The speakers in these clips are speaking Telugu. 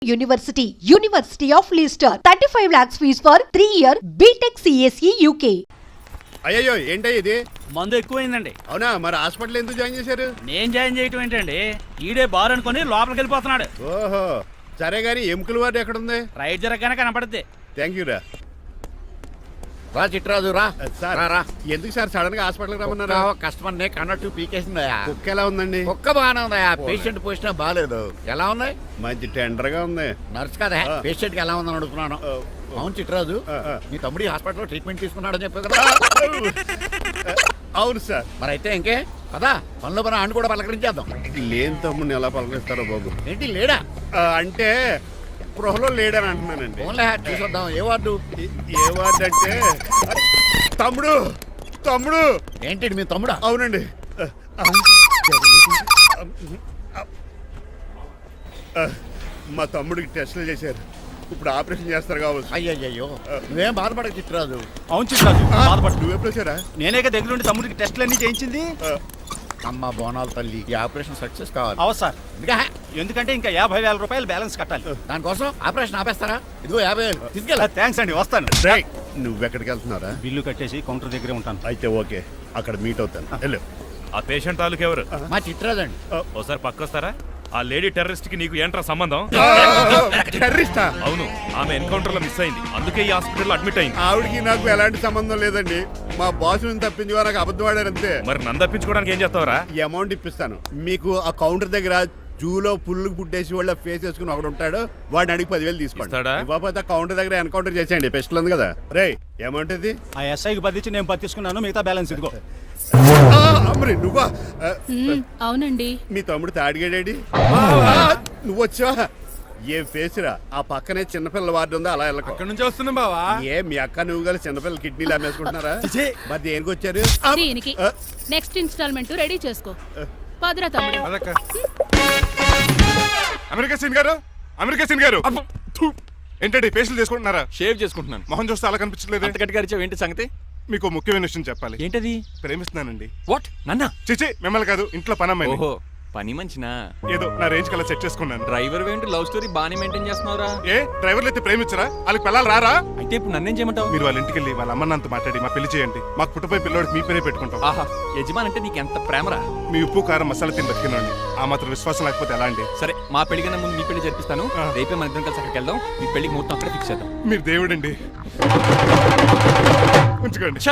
University of Leicester, 35 lakhs fees for 3-year BTech CSE UK. అయ్యో ఏంటయ్య ఇది? మందు ఎక్కువైందండి. అవునా? మరి హాస్పిటల్ ఎందుకు జాయిన్ చేశారు? నేను జాయిన్ చేయటం ఏంటండి, ఈడే బార్ అనుకుని లోపలికి వెళ్ళిపోతున్నాడు. ఓహో సరే గానీ ఎముకల వార్డు ఎక్కడుంది? రైట్ జరగగానే కనపడుద్ది. థ్యాంక్ యూ రా. రా చిట్రాజు రా. సార్ రా. ఎందుకు సార్ సడన్ గా హాస్పిటల్ రమ్మన్నారు? కస్టమర్ నే కన్నట్టు పీకేసిందయా. కుక్క ఎలా ఉందండి? కుక్క బాగానే ఉందయా, పేషెంట్ పొజిషన్ బాగాలేదు. ఎలా ఉంది? మంచి టెండర్ గా ఉంది. నర్స్ కదా పేషెంట్ కి ఎలా ఉందని అడుగుతున్నాను. అవును చిట్రాజు, మీ తమ్ముడి హాస్పిటల్లో ట్రీట్మెంట్ తీసుకున్నాడని చెప్పావు కదా. అవును సార్. మరి అయితే ఇంకే కదా పనిలో పని ఆండు కూడా పలకరించేద్దాం. లేని తమ్ముడిని ఎలా పలకరిస్తారో బాబు. ఏంటి లేడా? అంటే గృహలో లేడని అంటున్నానండి. ఓన్లీ చూసొద్దాం. ఏ వార్డు? ఏ వార్డు అంటే తమ్ముడు తమ్ముడు. ఏంటి మీ తమ్ముడా? అవునండి. మా తమ్ముడికి టెస్టులు చేశారు, ఇప్పుడు ఆపరేషన్ చేస్తారు కావచ్చు. అయ్యయ్యో నువ్వేం బాధపడక చిట్రాజు. అవును చిట్రాజు, బాధపడు. నువ్వు ఎప్పుడు వచ్చారా? నేనే దగ్గర ఉండి తమ్ముడికి టెస్టులన్నీ చేయించింది. అమ్మ బోనాల తల్లి, ఈ ఆపరేషన్ సక్సెస్ కావాలి. అవు సార్, ఇంకా ఎందుకంటే ఇంకా 50,000 రూపాయలు బ్యాలెన్స్ కట్టాలి. దానికోసం ఆపరేషన్ ఆపేస్తారా? ఇదిగో 50,000 తీసుకెళ్ళా. థ్యాంక్స్ అండి, వస్తాను. నువ్వెక్కడికి వెళ్తున్నారా? బిల్లు కట్టేసి కౌంటర్ దగ్గరే ఉంటాను. అయితే ఓకే, అక్కడ మీట్ అవుతాను. వెళ్ళు. ఆ పేషెంట్ తాలూకు ఎవరు? మా చిట్రాజు అండి. ఓసారి పక్కొస్తారా? ఆ లేడీ టెర్రరిస్ట్ కి నీకు ఏంట్రా సంబంధం? టెర్రరిస్టా? అవును, ఆమె ఎన్కౌంటర్ లో మిస్ అయింది, అందుకే ఈ హాస్పిటల్ అడ్మిట్ అయింది. ఆవిడికి నాకు ఎలాంటి సంబంధం లేదండి. మా బాస్ నుంచి తప్పించి నాకు అబద్ధం ఆడారు అంతే. మరి నన్ను తప్పించుకోవడానికి ఏం చేస్తావరా? ఈ అమౌంట్ ఇప్పిస్తాను మీకు. ఆ కౌంటర్ దగ్గర జూలో పుల్లు పుట్టేసి వాళ్ళ ఫేస్ వేసుకుని ఒకడు ఉంటాడు, వాడిని అడిగి 10,000 తీసుకోండి. ఇవ్వకపోతే కౌంటర్ దగ్గర ఎన్కౌంటర్ చేసేయండి. పెస్టల్ ఉంది కదా. రే అమౌంట్ ఇది. ఆ ఎస్ఐకి బదిలించి నేను తీసుకున్నాను, మిగతా బ్యాలెన్స్ ఇదిగో. అమ్మరే నువ్వా? అవునండి. మీ తమ్ముడు తాడిగాడేడి? నువ్వు వచ్చావా? ఏ ఫేస్ రా. ఆ పక్కనే చిన్నపిల్లల వార్డు ఉందా, అలా వెళ్ళకు. అక్కడ నుంచి వస్తున్నాం బావా. ఏ మీ అక్క నువ్వు గల చిన్నపిల్లల కిడ్నీలు అమ్మేసుకుంటున్నారా? మరి దేనికి వచ్చారు? దీనికి నెక్స్ట్ ఇన్స్టాల్మెంట్ రెడీ చేసుకో. పదరా తమ్ముడు. అమెరికా సీన్ గారు, అమెరికా సీన్ గారు ఏంటండి ఫేషియల్ చేసుకుంటున్నారా? షేవ్ చేసుకుంటున్నాను. మొహం చూస్తే అలా కనిపించలేదు. అంత గట్టిగా అరిచావు, ఏంటి సంగతి? మీకు ముఖ్యమైన విషయం చెప్పాలి. ఏంటది? ప్రేమిస్తున్నానండి. వాట్? నన్నా? చిచి మిమ్మల్ని కాదు, ఇంట్లో పనమ్మాయి. ఓహో, పని మంచినా? ఏదో నా రేంజ్ కల్లా సెట్ చేసుకున్నాను. డ్రైవర్ ఏంటి లవ్ స్టోరీ బాగానే మెయింటైన్ చేస్తున్నావురా? ఏ డ్రైవర్లు అయితే ప్రేమించరా? వాళ్ళకి పిల్లలు రారా? అయితే ఇప్పుడు నన్నేం చేయమంటావు? మీరు వాళ్ళ ఇంటికి వెళ్ళి వాళ్ళ అమ్మ నాన్నతో మాట్లాడి మా పెళ్లి చేయండి. మాకు పుట్టపోయి పిల్లోడికి మీ పేరే పెట్టుకుంటాం. ఆహా, యజమాన్ అంటే నీకు ఎంత ప్రేమరా? మీ ఉప్పు కారం మసాలా తిని బతికినండి. ఆ మాత్రం విశ్వాసం లేకపోతే ఎలా అండి? సరే, మా పెళ్లి కన్నా ముందు మీ పెళ్లి జరిపిస్తాను. రేపే మన ఇద్దరం కలిసి అక్కడికి వెళ్దాం. మీ పెళ్లికి ముహూర్తం అక్కడ ఫిక్స్ చేద్దాం. మీరు దేవుడండి. ఉంచుకోండి.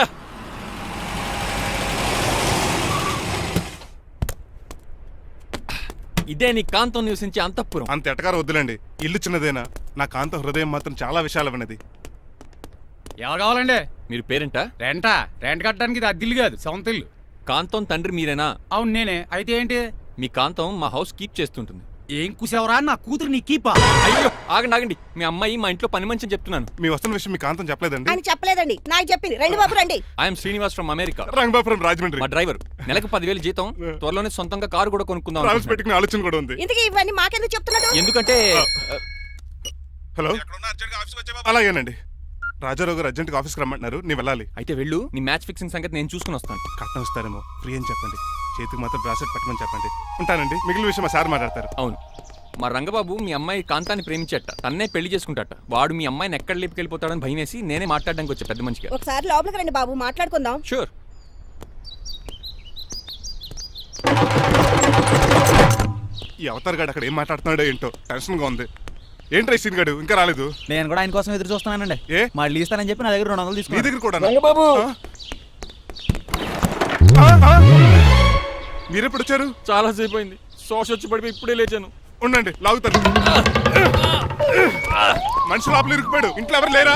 ఇదే నీ కాంతం నివసించే అంతఃపురం. అంత ఎటకారం వద్దులండి. ఇల్లు చిన్నదేనా, నా కాంత హృదయం మాత్రం చాలా విశాలమైనది. ఎవరు కావాలండి? మీరు పేరెంటా? రెంటా? రెంట్ కట్టడానికి ఇది అద్దిల్లు కాదు, సొంత ఇల్లు. కాంతం తండ్రి మీరేనా? అవును నేనే. అయితే ఏంటి? మీ కాంతం మా హౌస్ కీప్ చేస్తుంటుంది. ఏం కూసావరా? నా కూతురు నీ కీపా? అయ్యో ఆగండి. మీ అమ్మాయి మా ఇంట్లో పని మంచి చెప్తున్నాను. మీ వస్తున్న విషయం మీ కాంతం చెప్పలేదండి? అని చెప్పలేదండి, నాకు చెప్పింది. రండి బాబు రండి. I'm Srinivas from America. Rangabapuram Rajahmundry. మా డ్రైవర్. నెలకు 10,000 జీతం. త్వరలోనే సొంతంగా కారు కూడా కొనుక్కుందాం. ట్రావెల్స్ పెట్టుకునే ఆలోచన కూడా ఉంది. ఇంతకీ ఇవన్నీ మాకెందుకు చెప్తున్నాడు? ఎందుకంటే హలో, అలాగేనండి. రాజారావు గారు అర్జెంట్గా ఆఫీస్కి రమ్మంటున్నారు, నీ వెళ్ళాలి. అయితే వెళ్ళు. నీ మ్యాచ్ ఫిక్సింగ్ సంగతి నేను చూసుకుని వస్తాను. కట్నం ఇస్తారేమో, ఫ్రీ అని చెప్పండి. చేతికి మాత్రం బ్రాసెట్ పెట్టమని చెప్పండి. ఉంటానండి. మిగిలిన విషయం మా సార్ మాట్లాడతారు. అవును, మా రంగబాబు మీ అమ్మాయి కాంతాన్ని ప్రేమించట, తన్నే పెళ్లి చేసుకుంటాట. వాడు మీ అమ్మాయిని ఎక్కడ లేపుకెళ్ళిపోతాడని భయం వేసి నేనే మాట్లాడడానికి వచ్చా పెద్ద మనిషిగా. ఒకసారి లోపలికి రండి బాబు, మాట్లాడుకుందాం. షూర్. ఈ అవతార్ గాడు అక్కడ ఏం మాట్లాడుతున్నాడో ఏంటో టెన్షన్గా ఉంది. ఏంట్రా సీన్ గాడు ఇంకా రాలేదు? నేను కూడా ఆయన కోసం ఎదురు చూస్తున్నానండి. ఏ మళ్ళీ ఇస్తానని చెప్పి నా దగ్గర 200 మీ తీసుకుని. దగ్గర కూడా? రంగబాబు మీరెప్పుడు వచ్చారు? చాలా సేపు అయింది. శోష వచ్చి పడిపోయి ఇప్పుడే లేచాను. ఉండండి, లాగుతాను. మనిషి లోపల ఇరుక్కుపోయాడు. ఇంట్లో ఎవరు లేరా?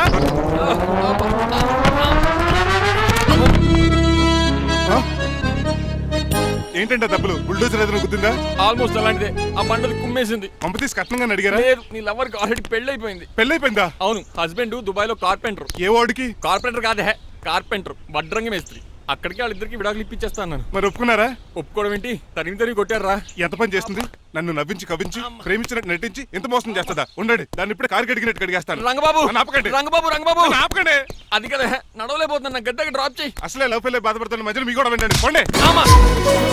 ఏంటంటే డబ్బులు బుల్డోజర్ ఏదైనా గుద్దిందా? ఆల్మోస్ట్ అలాంటిదే. ఆ బండలు కుమ్మేసింది. పంప తీసి కట్నంగా అడిగారా? లేదు, నీ లవర్కి ఆల్రెడీ పెళ్లి అయిపోయింది. పెళ్ళైపోయిందా? అవును, హస్బెండ్ దుబాయ్ లో కార్పెంటర్. ఏ వాడికి? కార్పెంటర్ కాదే, కార్పెంటర్, వడ్రంగి మేస్త్రి. అక్కడికి వాళ్ళిద్దరికి విడాకులు ఇప్పించేస్తాను. మరి ఒప్పుకున్నారా? ఒప్పుకోవడం ఏంటి, తరిమి కొట్టారా. ఎంత పని చేస్తుంది? నన్ను నవ్వించి కవించి ప్రేమించినట్టు నటించి ఎంత మోసం చేస్తుందా? ఉండండి, దాన్ని ఇప్పుడే కారు కడిగినట్టు కడిగేస్తాను. రంగబాబు ఆపకండి. రంగబాబు ఆపకండి. అది కదా, నడవలేకపోతున్నా, గద్దకి డ్రాప్ చేయి. అసలే లవ్ పెళ్ళి బాధపడుతున్న మధ్యలో మీ కూడా వినండి. పోండి.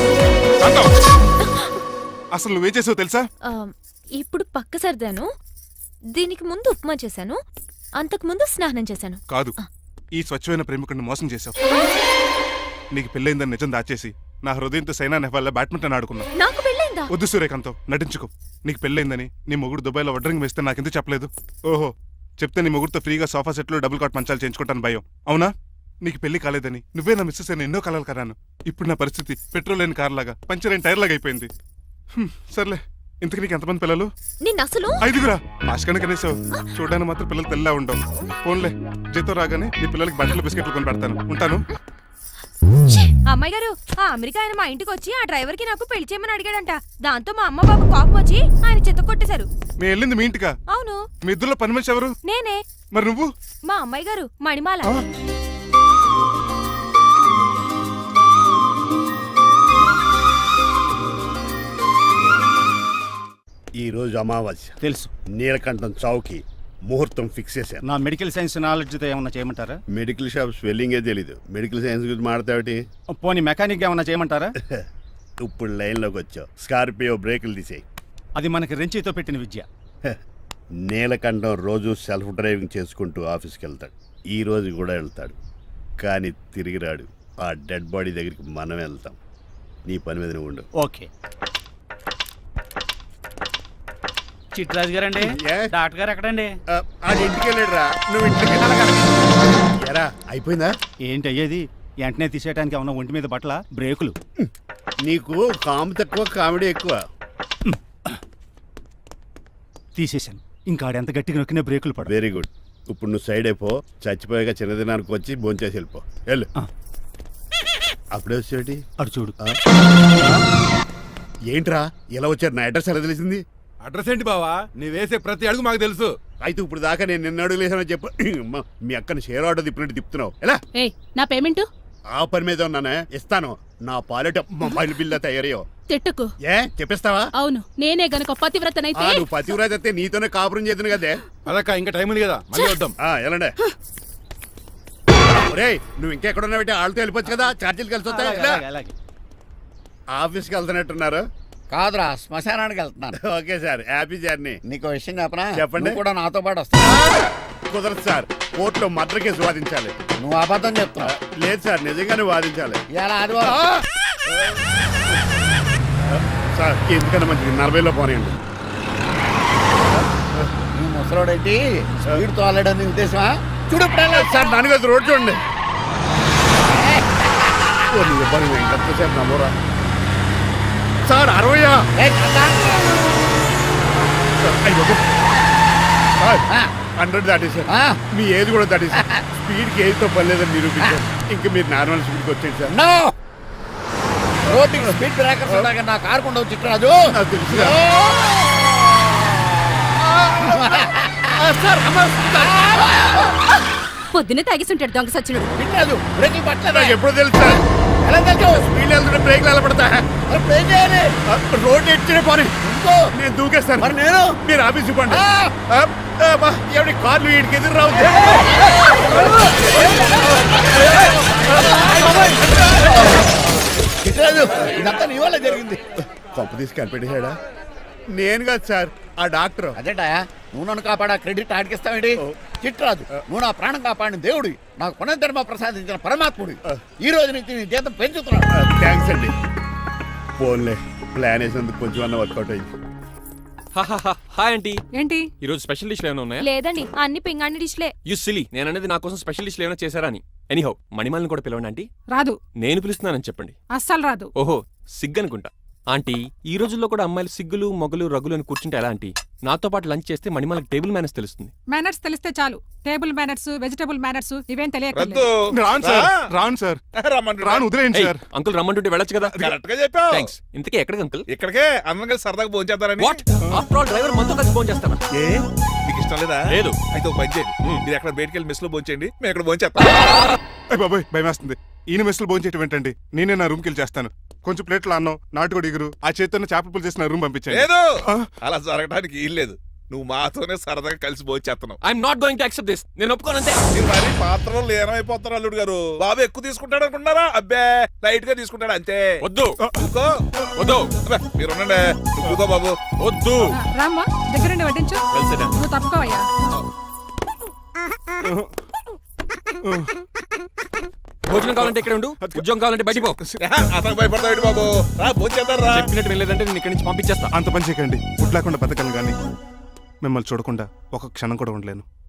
అసలు నువ్వేం చేసావు తెలుసా? ఇప్పుడు పక్క సర్దాను. దీనికి ముందు ఉప్మా చేశాను, అంతకు ముందు స్నానం చేశాను. కాదు, ఈ స్వచ్ఛమైన ప్రేమికుడిని మోసం చేశావు. నీకు పెళ్ళైందని నిజం దాచేసి నా హృదయంతో సైనా నెహ్వాల్ బ్యాడ్మింటన్ ఆడుకున్నావు. నాకు పెళ్ళైందా? వద్దు సూర్యకాంతం, నటించుకో. నీకు పెళ్ళైందని నీ మొగుడు దుబాయ్లో వడ్రింగ్ వేస్తే నాకెందుకు చెప్పలేదు? ఓహో, చెప్తే నీ మొగుడుతో ఫ్రీగా సోఫా సెట్లు డబుల్ కాట్ మంచాలు చేయించుకుంటాను భయం. అవునా? నీకు పెళ్లి కాలేదని నువ్వే నా మిస్సెస్ అని ఎన్నో కలలు కరాను. ఇప్పుడు నా పరిస్థితి పెట్రోల్ లేని కార్ లాగా, పంచర్ అయిన టైర్ లాగా అయిపోయింది. సర్లే, ఇంతకు నీకు ఎంతమంది పిల్లలు? నిన్ను అసలు 5గురా. ఆశకని కనీసం చూడడానికి మాత్రం పిల్లలు తెల్లా ఉండవు. ఫోన్లే, జీతం రాగానే నీ పిల్లలకి బట్టలు బిస్కెట్లు కొని పెడతాను. ఉంటాను. అమ్మాయి గారు, ఆ అమెరికా ఆయన మా ఇంటికి వచ్చి ఆ డ్రైవర్ కి నాకు పెళ్లి చేయమని అడిగాడంట. దాంతో మా అమ్మ బాబు కోపం వచ్చి ఆయన చెత్త కొట్టేశారు. మేము వెళ్ళింది మీ ఇంటికా? అవును. మీ ఇద్దరులో పని మనిషి ఎవరు? నేనే. మరి నువ్వు? మా అమ్మాయి గారు మణిమాల. ఈ రోజు అమావాస్య తెలుసు. నీలకంఠం చౌకి ముహూర్తం ఫిక్స్ చేశాను. నా మెడికల్ సైన్స్ నాలెడ్జ్తో ఏమన్నా చేయమంటారా? మెడికల్ షాప్ స్వెల్లింగే తెలీదు, మెడికల్ సైన్స్ గురించి మాడతావిటి? పోనీ మెకానిక్ ఏమన్నా చేయమంటారా? ఇప్పుడు లైన్లోకి వచ్చావు. స్కార్పియో బ్రేకులు తీసేయి. అది మనకి రెంచితో పెట్టిన విద్య. నీలకంఠం రోజు సెల్ఫ్ డ్రైవింగ్ చేసుకుంటూ ఆఫీస్కి వెళ్తాడు. ఈ రోజు కూడా వెళ్తాడు, కానీ తిరిగి రాడు. ఆ డెడ్ బాడీ దగ్గరికి మనం వెళ్తాం. నీ పని మీద నువ్వు ఉండు. ఓకే. చిట్రాజు గారండి, ఏ? డాక్టర్ గారు ఎక్కడండి? అది ఇంటికి వెళ్ళాడు రా, నువ్వు ఇంటికి ఎరా. అయిపోయిందా? ఏంటి అయ్యేది? వెంటనే తీసేయడానికి ఏమన్నా ఒంటి మీద బట్టల బ్రేకులు? నీకు కాము తక్కువ, కామెడీ ఎక్కువ. తీసేశాను. ఇంకా ఆడెంత గట్టిగా నొక్కినా బ్రేకులు పడ. Very good. ఇప్పుడు నువ్వు సైడ్ అయిపో. చచ్చిపోయాక చిన్నదినానికి వచ్చి భోంచేసి వెళ్ళిపో. వెళ్ళు. అప్పుడే వచ్చేటి అటు చూడు. ఏంట్రా ఇలా వచ్చారు? నా అడ్రస్ ఎలా తెలిసింది? అడ్రస్ ఏంటి బావా? నీ వేసే ప్రతి అడుగు మాకు తెలుసు. అయితే ఇప్పుడు దాకా నేను నిన్న అడుగులేసానని చెప్పు. అమ్మా, మీ అక్కని షేర్ ఆర్డర్ తిప్పినట్టు తిప్పుతున్నావు. ఎలా? ఏయ్, నా పేమెంట్ ఆ పని మీద ఉన్నానే, ఇస్తాను. నా పాలెట మొబైల్ బిల్లా తయారయ్యో. తిట్టుకు. ఏ చెప్పిస్తావా? అవును, నేనే గనక పతివ్రతనైతే నువ్వు పతివ్రత అయితే నీతోనే కాపురం చేద్దును కదే. అదక్క, ఇంకా టైం ఉంది కదా, మళ్ళీ వద్దాం. ఎలాండే ఒరేయ్, నువ్వు ఇంకెక్కడున్నావు? వాళ్ళతో వెళ్ళిపోవచ్చు కదా, ఛార్జీలు కలిసి వస్తాయి. అలాగే, అలాగే. ఆఫీస్కి వెళ్తున్నట్టున్నారు. కాదురా, శ్మశానానికి వెళ్తున్నాను. Okay sir, happy journey. నీకు విషయం చెప్పనా? చెప్పండి. నువ్వు కూడా నాతో పాటు వస్తావు. కుదరదు సార్, కోర్టులో మర్డర్ కేసు వాదించాలి. నువ్వు అబద్ధం చెప్తున్నావు. లేదు సార్, నిజంగానే వాదించాలి. ఇలా ఆదివారం సార్, ఎందుకన్నా మంచిది 40లో పోనీయండి. నువ్వు ముసలోడేంటి స్పీడ్ తోలడని ఉద్దేశమా? చూడు సార్, నాన్నగారు రోడ్ చూడండి. ఎంతసేపు నమ్మరా సార్? 60 100 దాటేశారు. మీ ఏది కూడా దాటేశారు. స్పీడ్కి ఏదితో పర్లేదని నిరూపించారు. ఇంకా మీరు నార్మల్ స్పీడ్కి వచ్చేది సార్. రోడ్డు స్పీడ్ బ్రేకర్స్ ఉండగా నా కారు కొండ వచ్చి రాజు. నాకు తెలుసు పొద్దున్నే తాగిస్తుంటాడు దొంగ సచ్చినుడు. తిట్టలేదు, బ్రేకులు పట్టలేదు. నాకు ఎప్పుడో తెలుసు సార్. ఎలా తెలుసు? స్పీడ్ వెళ్తుంటే బ్రేక్లు ఎలా పడతా? బ్రేక్ చేయాలి. రోడ్డు ఎట్టినే పోనీ, ఇంకో నేను దూకేస్తాను. మరి నేను? మీరు ఆఫీస్ ఇవ్వండి. ఎవరి కార్లు వీడికి ఎదురు రావు. తిట్టలేదు, ఇదంతా నీ వల్ల జరిగింది. కొంప తీసి కనిపెట్టేశాడా? నేను కాదు సార్, ఆ డాక్టర్. అదేంటా, నువ్వు నన్ను కాపాడా క్రెడిట్ ఆడికిస్తావేంటి? చిట్రాజు, నువ్వు నా ప్రాణం కాపాడిన దేవుడి, నాకు పునర్ధర్మ ప్రసాదించిన పరమాత్ముడి. ఈ రోజు నుంచి నీ జీతం పెంచుతున్నాడు. థ్యాంక్స్ అండి. ఫోన్లే, ప్లాన్ వేసినందుకు కొంచెం అన్న వర్కౌట్ అయింది. Hi aunty. ఏంటి? ఈ రోజు స్పెషల్ డిష్లు ఏమైనా ఉన్నాయా? లేదండి, అన్ని పింగాణి డిష్లే. యు సిలీ, నేను అనేది నా కోసం స్పెషల్ డిష్లు ఏమైనా చేశారా అని. ఎనీహౌ, మణిమాలని కూడా పిలవండి ఆంటీ. రాదు. నేను పిలుస్తున్నానని చెప్పండి. అస్సలు రాదు. ఓహో, సిగ్గనుకుంటా. ఆంటీ, ఈ రోజుల్లో కూడా అమ్మాయిలు సిగ్గులు మొగలు రగులు అని కూర్చుంటే ఎలా ఆంటీ? నాతో పాటు లంచ్ చేస్తే మణిమాలకి టేబుల్ మేనర్స్ తెలుస్తుంది. మేనర్స్ తెలిస్తే చాలు. టేబుల్ మేనర్స్, వెజిటబుల్ మేనర్స్ ఇవేం తెలియదు. రాను సార్, రాను సార్, రాను, వదిలేయండి సార్. అంకుల్ రమ్మంటుంటే వెళ్ళొచ్చు కదా. కరెక్ట్ గా చెప్పావు. థ్యాంక్స్. ఇంతకీ ఎక్కడికి అంకుల్? ఇక్కడికే అందరం కలిసి సరదాగా భోంచేద్దారని. వాట్? ఆఫ్టర్ ఆల్ డ్రైవర్ మనతో కలిసి ఫోన్ చేస్తాను. ఏ నీకు ఇష్టం లేదా? లేదు. అయితే ఓ పని చేయండి, మీరు ఎక్కడ బయటికి వెళ్ళి మెస్ లో భోంచేయండి, మేము ఇక్కడ భోంచేస్తాం. అయ్య బాబాయ్, భయం వేస్తుంది. ఈయన మెస్సులు భోంచేయటం ఏంటండి? నేనే నా రూమ్కి వెళ్ళి చేస్తాను. కొంచెం ప్లేట్లు అన్నం, నాటుకోడి ఇగురు, ఆ చేతితో చేపల పులుసు చేసిన రూమ్ పంపించాను. లేదు, అలా జరగడానికి ఏం లేదు. నువ్వు మాతోనే సరదాగా కలిసి పోచేస్తున్నావు. I'm not going to accept this. నేను ఒప్పుకోనంతే. మీరు మరి పాత్రలో లీనమైపోతారు అల్లుడు గారు. బాబు ఎక్కువ తీసుకుంటాడు అనుకుంటారా? అబ్బే లైట్ గా తీసుకుంటాడు అంతే. వద్దు కూకో. వద్దు అబ్బే, మీరు ఉండండి. నువ్వు కూకో బాబు. వద్దు. రామ్మా దగ్గరుండి వడ్డించు కలిసిరా. నువ్వు తప్పుకోవయ్యా. భోజనం కావాలంటే ఇక్కడ ఉండు, ఉద్యోగం కావాలంటే బయటికి పో. అతను భయపడతాడు బాబు. రా భోజేద్దాం రా. చెప్పినట్టు వెళ్ళలేదంటే నేను ఇక్కడి నుంచి పంపించేస్తా. అంత పని చేయకండి. ఫుడ్ లేకుండా బతకను కానీ మిమ్మల్ని చూడకుండా ఒక క్షణం కూడా ఉండలేను.